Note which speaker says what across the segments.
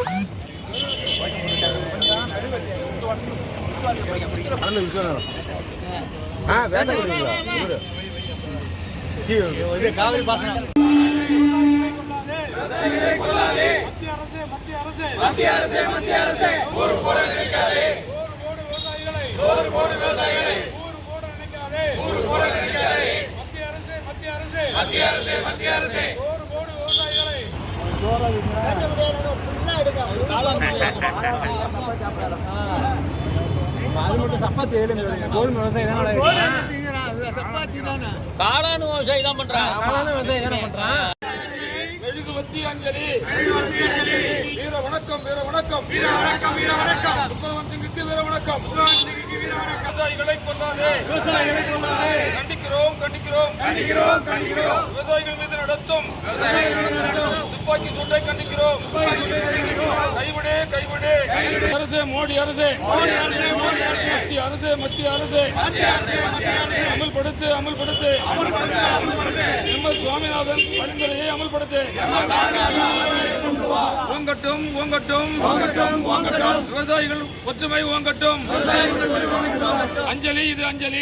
Speaker 1: காவிரி பாசனம் மத்திய அரசே ஊர் போட நினைக்காதே ஊர் போட விவசாயிகளை ஊர் போட நினைக்காதே மத்திய அரசே ஊர் போட விவசாயிகளை அது மட்டும் சப்பாத்தி கோதுமை விவசாயி தானே காளான் விவசாயி தான் பண்றான் மெழுகுவத்தி அஞ்சலி வீர வணக்கம் முப்பதவன் சிங்குக்கு வீர வணக்கம் விவசாயிகளை கொள்ளாதே கண்டிக்கிறோம் விவசாயிகள் மீது நடத்தும் துப்பாக்கி சூட்டை கண்டிக்கிறோம் கைவிடு அரசே மோடி அரசே மத்திய அரசே அமல்படுத்து எம் எஸ் சுவாமிநாதன் பரிந்துரையை அமல்படுத்து ஓங்கட்டும் விவசாயிகள் ஒற்றுமை ஓங்கட்டும் அஞ்சலி இது அஞ்சலி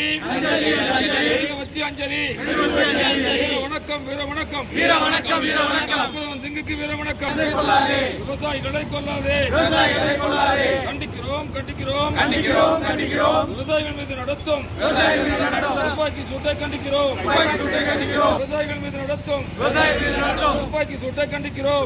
Speaker 1: வீர வணக்கம் சிங்குக்கு வீர வணக்கம் விவசாயிகளை கொள்ளாதே கண்டிக்கிறோம் விவசாயிகள் மீது நடத்தும் துப்பாக்கி சூட்டை கண்டிக்கிறோம் விவசாயிகள் மீது நடத்தும் துப்பாக்கி சூட்டை கண்டிக்கிறோம்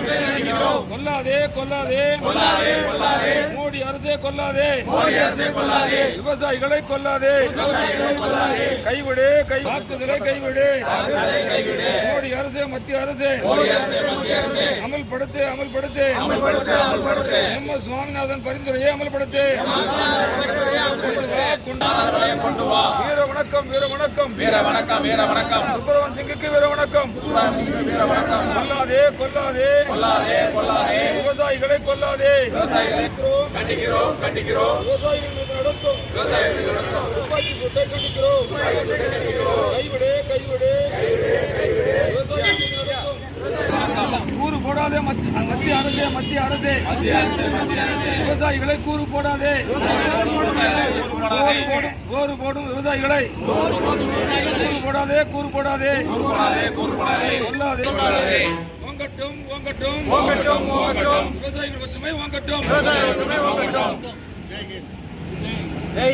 Speaker 1: கொல்லாதே மோடி அரசே கொல்லாதே விவசாயிகளை கொல்லாதே கைவிடு கைவிடு மோடி அரசே மத்திய அரசே அமல்படுத்து எம் எஸ் சுவாமிநாதன் பரிந்துரையை அமல்படுத்து வீர வணக்கம் சுப்பரவன் சிங்குக்கு வீர வணக்கம் கொல்லாதே விவசாயிகளை கொல்லாதே கண்டிக்கிறோம் விவசாயிகள் மீது நடத்தும் துப்பாக்கி சூட்டை கண்டிக்கிறோம் கைவிடு கூறு போடாதே மத்திய அரசே விவசாயிகளை கூறு போடாதே கூறு போடும் விவசாயிகளை கூறு போடாதே கொல்லாதே ஓங்கட்டும் விவசாயிகள் ஒற்றுமை ஓங்கட்டும்